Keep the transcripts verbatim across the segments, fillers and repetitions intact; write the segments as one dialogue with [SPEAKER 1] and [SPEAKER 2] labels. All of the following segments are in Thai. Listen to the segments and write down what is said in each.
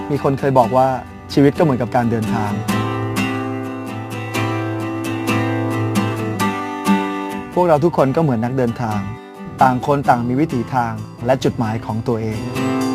[SPEAKER 1] มีคนเคยบอกว่าชีวิตก็เหมือนกับการเดินทางพวกเราทุกคนก็เหมือนนักเดินทางต่างคนต่างมีวิถีทางและจุดหมายของตัวเอง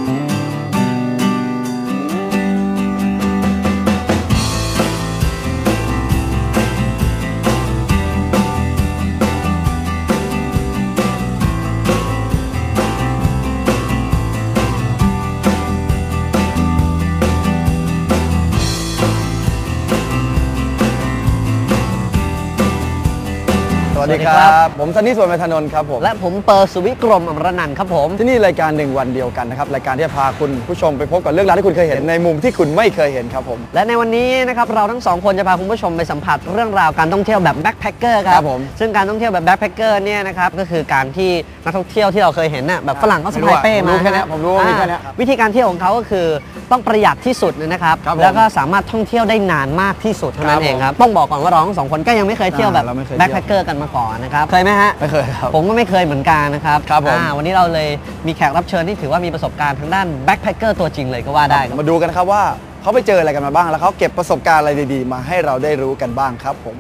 [SPEAKER 1] สวัสดีครับผมซันนี่สวนเมธานนท์ครับผม
[SPEAKER 2] และผมเปอร์สุวิกรมอมรนันท์ครับผม
[SPEAKER 1] ที่นี่รายการหนึ่งวันเดียวกันนะครับรายการที่จะพาคุณผู้ชมไปพบกับเรื่องราวที่คุณเคยเห็นในมุมที่คุณไม่เคยเห็นครับผม
[SPEAKER 2] และในวันนี้นะครับเราทั้งสองคนจะพาคุณผู้ชมไปสัมผัสเรื่องราวการท่องเที่ยวแบบแบ็คแพคเกอร์ครับผมซึ่งการท่องเที่ยวแบบแบ็คแพคเกอร์เนี่ยนะครับก็คือการที่นักท่องเที่ยวที่เราเคยเห็นน่ะแบบฝรั่งเขาสะพายเป้มา
[SPEAKER 1] แค่นี้ผมรู้ว่ามีแค่นี้
[SPEAKER 2] วิธีการเที่ยวของเขาก็คือต้องประหยัดที่สุดนะครับแล้วก็สามารถท่องเที่ยวได้นานมากที่สุดเท่านั้นเองครับต้องบอกก่อนว่าเราทั้งสองคนก็ยังไม่เคยเที่ยวแบบแบ็คแพคเกอร์กันมาก่อนนะครับเคยไหมฮะ
[SPEAKER 1] ไม่เคยครับ
[SPEAKER 2] ผมก็ไม่เคยเหมือนกันนะครับ
[SPEAKER 1] ครับผม
[SPEAKER 2] วันนี้เราเลยมีแขกรับเชิญที่ถือว่ามีประสบการณ์ทางด้านแบ็คแพคเกอร์ตัวจริงเลยก็ว่าได้
[SPEAKER 1] มาดูกันครับว่าเขาไปเจออะไรกันมาบ้างแล้วเขาเก็บประสบการณ์อะไรดีๆมาให้เราได้รู้กันบ้างครับผม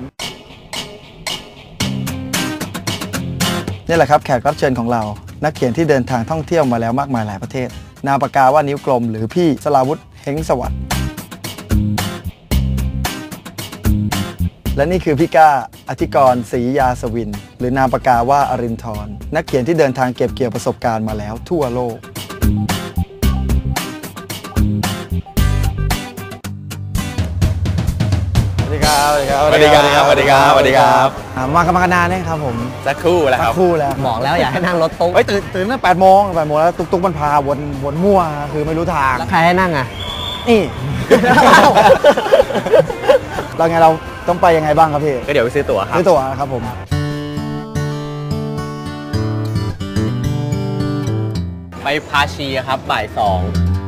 [SPEAKER 1] นี่แหละครับแขกรับเชิญของเรานักเขียนที่เดินทางท่องเที่ยวมาแล้วมากมายหลายประเทศนามปากกาว่านิ้วกลมหรือพี่สราวุธเฮงสวัสดิ์และนี่คือพี่ก้าอธิกรศรียาสวินหรือนามปากกาว่าอรินทร์นักเขียนที่เดินทางเก็บเกี่ยวประสบการณ์มาแล้วทั่วโลกสวัสดีครับ
[SPEAKER 3] สวัสดีครับสวัสดีครับสวัสดีครับ
[SPEAKER 1] มากันมานานนะครับผม
[SPEAKER 3] สักครู่แล้วครับ
[SPEAKER 1] สักครู่แล้ว
[SPEAKER 2] บอกแล้วอยากให้นั่งรถตุ๊ก
[SPEAKER 1] เฮ้ยตื่นตื่นตั้งแปดโมงแปดโมงแล้วตุ๊กตุ๊กมันพาวนวนมั่วคือไม่รู้ทาง
[SPEAKER 2] แล้วใครให้นั่งอ่ะ
[SPEAKER 1] นี่เราไงเราต้องไปยังไงบ้างครับพี่
[SPEAKER 3] ก็เดี๋ยวไปซื้อตั๋วครับ
[SPEAKER 1] ซื้อตั๋วครับผม
[SPEAKER 3] ไปพาชีครับบ่ายสอง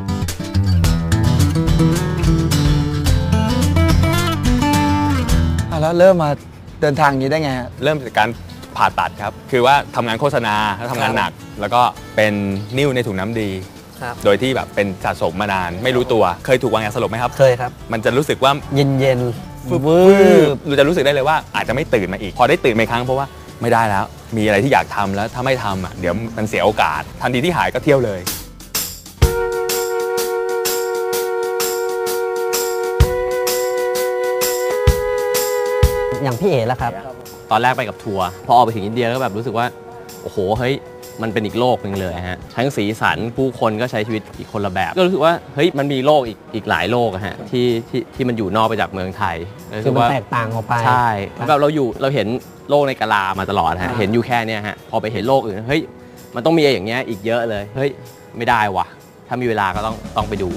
[SPEAKER 1] แล้วเริ่มมาเดินทางนี้ได้ไง
[SPEAKER 3] เริ่มจากการผ่าตัดครับคือว่าทำงานโฆษณาแล้วทำงานหนักแล้วก็เป็นนิ่วในถุงน้ำดีโดยที่แบบเป็นสะสมมานานไม่รู้ตัวเคยถูกวางยาสลบไหมครับ
[SPEAKER 2] เคยครับ
[SPEAKER 3] มันจะรู้สึกว่า
[SPEAKER 2] เย็นเย็น
[SPEAKER 3] วืบเราจะรู้สึกได้เลยว่าอาจจะไม่ตื่นมาอีกพอได้ตื่นมาอีกครั้งเพราะว่าไม่ได้แล้วมีอะไรที่อยากทำแล้วถ้าไม่ทำอ่ะเดี๋ยวมันเสียโอกาสทันทีที่หายก็เที่ยวเลย
[SPEAKER 2] อย่างพี่เอ๋แล้วครับ
[SPEAKER 3] ตอนแรกไปกับทัวร์พอออกไปถึงอินเดียแล้วแบบรู้สึกว่าโอ้โหเฮ้ยมันเป็นอีกโลกหนึ่งเลยฮะทั้งสีสันผู้คนก็ใช้ชีวิตอีกคนละแบบก็รู้สึกว่าเฮ้ยมันมีโลกอีกอีกหลายโลกอะฮะที่ที่ที่มันอยู่นอกไปจากเมืองไทย
[SPEAKER 2] คือมันแตกต่างออกไป
[SPEAKER 3] ใช่แบบเราอยู่เราเห็นโลกในกะลามาตลอดฮะเห็นอยู่แค่นี้ฮะพอไปเห็นโลกอื่นเฮ้ยมันต้องมีอย่างเงี้ยอีกเยอะเลยเฮ้ยไม่ได้ว่ะถ้ามีเวลาก็ต้องต้องไปดู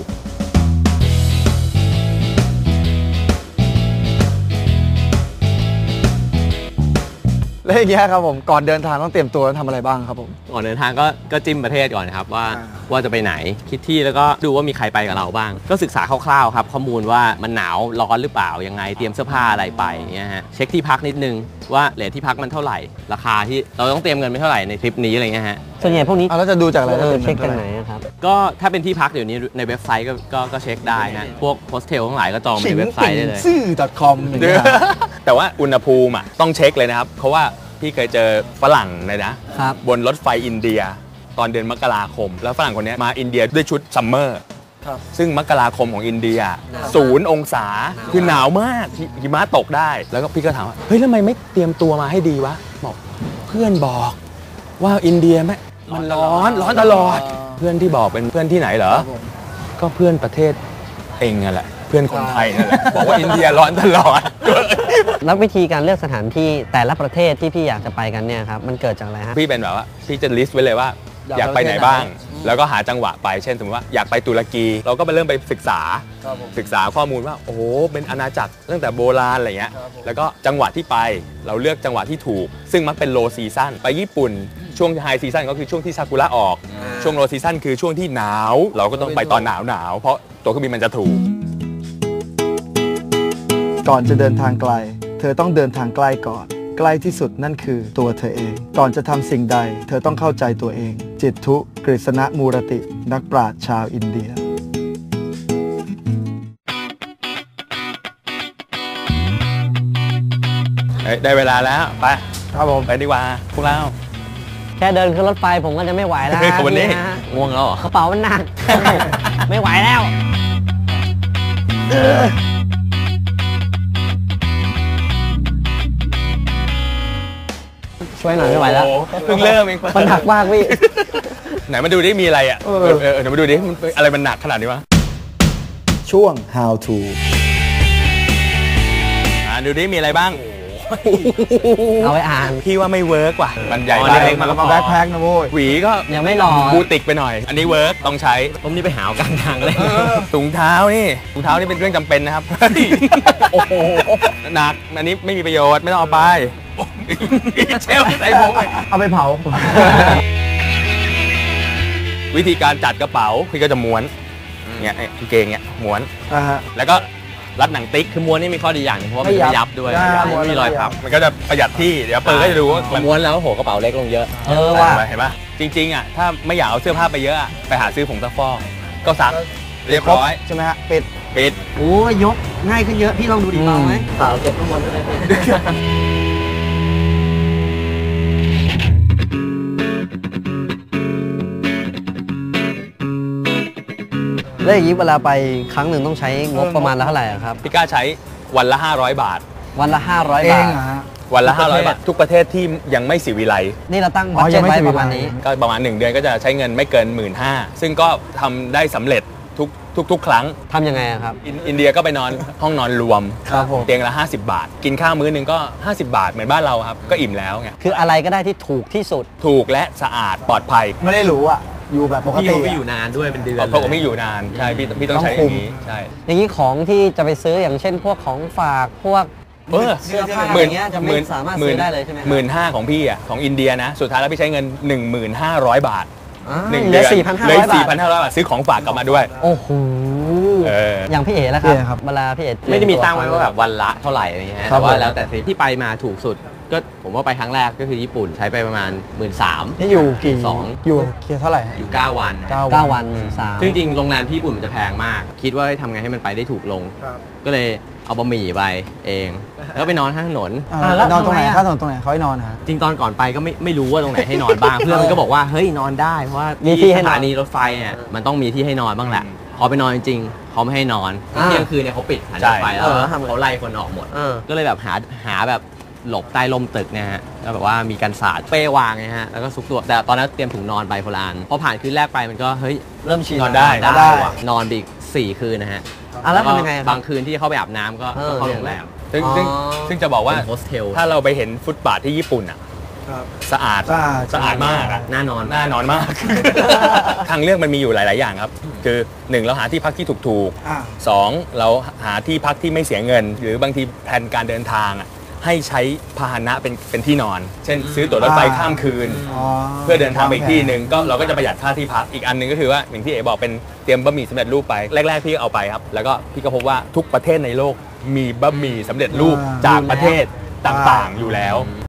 [SPEAKER 1] แล้วอย่างเงี้ยครับผมก่อนเดินทางต้องเตรียมตัวทำอะไรบ้างครับผม
[SPEAKER 3] ก่อนเดินทางก็ก็จิ้มประเทศก่อนครับว่าว่าจะไปไหนคิดที่แล้วก็ดูว่ามีใครไปกับเราบ้างก็ศึกษาคร่าวๆครับข้อมูลว่ามันหนาวร้อนหรือเปล่ายังไงเตรียมเสื้อผ้าอะไรไปเงี้ยฮะเช็คที่พักนิดนึงว่าเรทที่พักมันเท่าไหร่ราคาที่เราต้องเตรียมเงินไปเท่าไหร่ในทริปนี้อะไรเงี้ยฮะ
[SPEAKER 2] ส่วนใหญ่พวกนี้
[SPEAKER 1] เราจะดูจากอะไร
[SPEAKER 2] เช็คกันไหนครับ
[SPEAKER 3] ก็ถ้าเป็นที่พักเดี๋ยวนี้ในเว็บไซต์ก็ก็ก็เช็คได้ฮะพวกโฮสเทลทั้งหลายก็จองในเว็บไซต์ได้เลย
[SPEAKER 1] ซื่อ .com
[SPEAKER 3] แต่ว่าอุณหภูมิอ่ะต้องเช็คเลยนะครับเพราะว่าพี่เคยเจอฝรั่งเลยนะบนรถไฟอินเดียตอนเดือนมกราคมแล้วฝรั่งคนนี้มาอินเดียด้วยชุดซัมเมอร์ซึ่งมกราคมของอินเดียศูนย์องศาคือหนาวมากหิมะตกได้แล้วก็พี่ก็ถามว่าเฮ้ยทำไมไม่เตรียมตัวมาให้ดีวะบอกเพื่อนบอกว่าอินเดียไหมมันร้อนร้อนตลอดเพื่อนที่บอกเป็นเพื่อนที่ไหนเหรอก็เพื่อนประเทศเองนั่นแหละเพื่อนคนไทยนั่นแหละบอกว่าอินเดียร้อนตลอด
[SPEAKER 2] แล้ววิธีการเลือกสถานที่แต่ละประเทศที่พี่อยากจะไปกันเนี่ยครับมันเกิดจากอะไรฮะ
[SPEAKER 3] พี่เป็นแบบว่าพี่จะลิสต์ไว้เลยว่าอยากไปไหนบ้างแล้วก็หาจังหวะไปเช่นสมมติว่าอยากไปตุรกีเราก็ไปเริ่มไปศึกษาศึกษาข้อมูลว่าโอ้โหเป็นอาณาจักรตั้งแต่โบราณอะไรเงี้ยแล้วก็จังหวะที่ไปเราเลือกจังหวะที่ถูกซึ่งมักเป็นโลซีซั่นไปญี่ปุ่นช่วงไฮซีซั่นก็คือช่วงที่ซากุระออกช่วงโลซีซั่นคือช่วงที่หนาวเราก็ต้องไปตอนหนาวหนาวเพราะตัวเครื่องบินมันจะถูก
[SPEAKER 1] ก่อนจะเดินทางไกลเธอต้องเดินทางใกล้ก่อนใกล้ที่สุดนั่นคือตัวเธอเองก่อนจะทำสิ่งใดเธอต้องเข้าใจตัวเองจิตทุกฤษณมูรตินักปราชญ์ชาวอินเดีย
[SPEAKER 3] ได้เวลาแล้วไป
[SPEAKER 1] ครับผม
[SPEAKER 3] ไปดีกว่าพวกเรา
[SPEAKER 2] แค่เดินขึ้นรถไฟผมก็จะไม่ไหวแล้ว
[SPEAKER 3] วันนี้
[SPEAKER 2] ฮะ
[SPEAKER 3] ง่วงแล้วเหรอก
[SPEAKER 2] ระเป๋ามันหนัก ไม่ไหวแล้วช่วยหน่อยไม่ไหวแล้ว
[SPEAKER 3] โอ้โเพิ่งเริ่มเอง
[SPEAKER 2] มันหนักมากพี่
[SPEAKER 3] ไหนมาดูดิมีอะไรอ่ะเออเออเดี๋ยวมาดูดิมันอะไรมันหนักขนาดนี้วะ
[SPEAKER 1] ช่วง how to
[SPEAKER 3] อ่าดูดิมีอะไรบ้าง
[SPEAKER 2] เอาไว้อ่าน
[SPEAKER 3] พี่ว่าไม่เวิร์กว่ะมันใหญ่
[SPEAKER 2] อ๋อ
[SPEAKER 3] ไป
[SPEAKER 2] เล็กๆ
[SPEAKER 1] มามาแบ็คแพ็คนะโว้ย
[SPEAKER 3] หวีก็
[SPEAKER 2] ยังไม่รอ
[SPEAKER 3] บูติกไปหน่อย อันนี้เวิร์กต้องใช้
[SPEAKER 2] ผมนี่ไปหาวกลางทางเลย
[SPEAKER 3] ถุงเท้านี่ถุงเท้านี่เป็นเรื่องจำเป็นนะครับ โอ้โหหนักอันนี้ไม่มีประโยชน์ไม่ต้องเอาไปเชลใส่ผม
[SPEAKER 1] เอาไปเผา
[SPEAKER 3] วิธีการจัดกระเป๋าพี่ก็จะม้วนเนี่ยไอ้กางเกงเนี่ยม้วน
[SPEAKER 1] อ่าฮะ
[SPEAKER 3] แล้วก็รัดหนังติ๊ก
[SPEAKER 4] คือม้วนนี่มีข้อดีอย่างหนึงเพราะว่ามัน
[SPEAKER 1] ไม่
[SPEAKER 4] ไม่
[SPEAKER 1] ยั
[SPEAKER 4] ยั
[SPEAKER 1] บบ
[SPEAKER 4] ด้วย
[SPEAKER 1] ใช่
[SPEAKER 4] ไม่มีรอยพับ
[SPEAKER 3] มันก็จะประหยัดที่เดี๋ยวเปิดก็จะดูว่ามัน
[SPEAKER 4] ม้วนแล้วโหกระเป๋าเล็กลงเยอะ
[SPEAKER 2] เออว่ะ
[SPEAKER 3] เห็นปะจริงๆอ่ะถ้าไม่อยากเอาเสื้อผ้าไปเยอะอะไปหาซื้อผงซักฟอกก็ซักเรียบร้อย
[SPEAKER 1] ใช่ไหมฮะปิด
[SPEAKER 3] ปิด
[SPEAKER 2] โอ้ยยกง่ายขึ้นเยอะ พี่ลองดูดิเบาไหมเปล่าเก็บข้างบนเลยแล้วอย่างนี้เวลาไปครั้งหนึ่งต้องใช้งบประมาณละเท่าไหร่อะครับ
[SPEAKER 3] พี่กล้าใช้วันละ ห้าร้อย บาท
[SPEAKER 2] วันละ ห้าร้อย
[SPEAKER 1] เอบ
[SPEAKER 2] าง ท
[SPEAKER 1] เหรอฮะ
[SPEAKER 3] วันละ
[SPEAKER 4] ทุกประเทศ
[SPEAKER 3] ห้าร้อย บาท ทุกประเทศที่ยังไม่สิวิไล
[SPEAKER 2] นี่เราตั้ง
[SPEAKER 1] อ๋
[SPEAKER 2] บั
[SPEAKER 1] อ
[SPEAKER 2] ต
[SPEAKER 1] ยั
[SPEAKER 2] เจ็
[SPEAKER 1] ง
[SPEAKER 2] ต
[SPEAKER 1] ไม่
[SPEAKER 2] ไว้
[SPEAKER 1] สิบ
[SPEAKER 2] ประมาณนี้
[SPEAKER 3] ก็ประมาณหนึ่งเดือนก็จะใช้เงินไม่เกิน หนึ่งหมื่นห้าพัน ซึ่งก็ทำได้สำเร็จทุกทุกทุกครั้ง
[SPEAKER 2] ทำยังไงอะครับ
[SPEAKER 3] อินอินเดียก็ไปนอนห้องนอนรวม
[SPEAKER 1] ครับผม
[SPEAKER 3] เตียงละ ห้าสิบบาท กินข้าวมื้อหนึงก็ ห้าสิบบาทเหมือนบ้านเราครับก็อิ่มแล้วไง
[SPEAKER 2] คืออะไรก็ได้ที่ถูกที่สุด
[SPEAKER 3] ถูกและสะอาดปลอดภัย
[SPEAKER 1] ไม่ได้หรูอ่ะ อยู่แบบปก
[SPEAKER 4] พี่
[SPEAKER 1] ติ
[SPEAKER 4] เขาไม่
[SPEAKER 1] อะ
[SPEAKER 4] อยู่นานด้วยเป็นเดือน
[SPEAKER 3] เพราะผมไม่อยู่นานใช่พี่พี่ต้องใช้อย่างนี้ใช่
[SPEAKER 2] อย่างนี้ของที่จะไปซื้ออย่างเช่น พวกของฝากพวก
[SPEAKER 3] เออ
[SPEAKER 2] เสื้อผ้า
[SPEAKER 3] หมื่น
[SPEAKER 2] อย่างเงี้ยจะไม่สามารถซื้อได้เลยใช่ไหมครับ
[SPEAKER 3] หมื่นห้าของพี่อ่ะของอินเดียนะ สุดท้ายแล้วพี่ใช้เงิน หนึ่งหมื่นห้าร้อย บาท
[SPEAKER 2] อ่า
[SPEAKER 3] หนึ่ง
[SPEAKER 2] เหลื
[SPEAKER 3] เดื
[SPEAKER 2] อ
[SPEAKER 3] อน
[SPEAKER 2] สี่พันห้า
[SPEAKER 3] เหลื
[SPEAKER 2] ร้
[SPEAKER 3] อ
[SPEAKER 2] อยบาท
[SPEAKER 3] สี่พันห้าร้อยบาทซื้อของฝากกลับมาด้วย
[SPEAKER 2] โอ้โห
[SPEAKER 3] เออ
[SPEAKER 2] อย่างพี่เอ๋แล้วค
[SPEAKER 1] พี่เอ๋ครั
[SPEAKER 2] รับบ เวลาพี่เอ๋
[SPEAKER 4] ไม่ได้มีตั้งไว้ว่าแบบวันละเท่าไหร่อะไรเงี้ย
[SPEAKER 1] ครับ
[SPEAKER 4] แต่ว่า
[SPEAKER 1] ผม
[SPEAKER 4] แล้วแต่ทริปที่ไปมาถูกสุด ก็ผมว่าไปครั้งแรกก็คือญี่ปุ่นใช้ไปประมาณ หมื่นสามพัน
[SPEAKER 1] นี่อยู่กี่
[SPEAKER 4] สอง
[SPEAKER 1] อยู่เคียร์เท่าไหร่ฮะ
[SPEAKER 4] อยู่เก้าวัน
[SPEAKER 1] เก้า
[SPEAKER 2] เก้าวันสาม
[SPEAKER 4] ซึ่งจริงๆโรงแรมที่ญี่ปุ่นมันจะแพงมาก คิดว่าทำไงให้มันไปได้ถูกลง
[SPEAKER 1] ครับ
[SPEAKER 4] ก็เลยเอาบะหมี่ไปเอง แล้วไปนอนข้างถนน
[SPEAKER 1] อ่า
[SPEAKER 2] แล้ว
[SPEAKER 1] นอนตรงไหน
[SPEAKER 2] ทำไมอะ
[SPEAKER 1] ข้างถนนตรงไหนเขาให้นอนฮะ
[SPEAKER 4] จริงตอนก่อนไปก็ไม่ไม่รู้ว่าตรงไหนให้นอนบ้าง เพื่อนมันก็บอกว่าเฮ้ยนอนได้เพราะว่า
[SPEAKER 2] มีที่ให้
[SPEAKER 4] ส
[SPEAKER 2] นอน
[SPEAKER 4] ถานีรถไฟเนี่ยมันต้องมีที่ให้นอนบ้างแหละ พอไปนอนจริงๆเขาไม่ให้นอน
[SPEAKER 2] อ่า
[SPEAKER 4] เที่ยงคืนเนี่ยเขาปิดสถานีรถไฟแล้ว
[SPEAKER 2] เออ
[SPEAKER 4] เขาไล่คนออกหมด
[SPEAKER 2] เออ
[SPEAKER 4] ก็เลยแบบหาหาแบบหลบใต้ร่มตึกเนี่ยฮะแล้วแบบว่ามีกันศาสตร์เป้วางไงฮะแล้วก็ซุกตัวแต่ตอนนั้นเตรียมถุงนอนไปโบราณพอผ่านคืนแรกไปมันก็เฮ้ย
[SPEAKER 2] เริ่มชิน
[SPEAKER 3] นอนได้
[SPEAKER 4] ได้ว่ะนอนไปอีกสี่คืนนะฮะ
[SPEAKER 2] อ่ะแล้วทำยังไงครับ
[SPEAKER 4] บางคืนที่เข้าไปอาบน้ำก็
[SPEAKER 2] เออ
[SPEAKER 4] ก็เข้าโรงแรม
[SPEAKER 3] ซึ่ง
[SPEAKER 2] อ๋อ
[SPEAKER 3] ซึ่งซึ่งจะบอกว่า
[SPEAKER 4] เป็นโฮสเทล
[SPEAKER 3] ถ้าเราไปเห็นฟุตบาทที่ญี่ปุ่นอ่ะ
[SPEAKER 1] ครับ
[SPEAKER 3] สะอาด
[SPEAKER 1] สะอาด
[SPEAKER 3] สะอาดมากอะ
[SPEAKER 4] น่านอน
[SPEAKER 3] น่านอนมาก ทางเลือกมันมีอยู่หลาย ๆ อย่างครับ คือหนึ่งเราหาที่พักที่ถูก
[SPEAKER 1] อ่า
[SPEAKER 3] ๆสองเราหาที่พักที่ไม่เสียเงิน หรือบางทีแผนการเดินทางอะให้ใช้พาหนะเป็นเป็นที่นอน เช่น ซื้อตั๋วรถไฟ
[SPEAKER 1] อ่า
[SPEAKER 3] ข้ามคืน
[SPEAKER 1] อ๋อ
[SPEAKER 3] เพื่อเดินทางไปอีกที่หนึ่งก็เราก็จะประหยัดค่าที่พักอีกอันหนึงก็คือว่าอย่างที่เอ๋บอกเป็นเตรียมบะหมี่สำเร็จรูปไปแรก ๆ พี่เอาไปครับ แล้วก็พี่ก็พบว่าทุกประเทศในโลกมีบะหมี่สำเร็จรูป
[SPEAKER 1] อ่า
[SPEAKER 3] จากประเทศต่าง ๆ อยู่แล้ว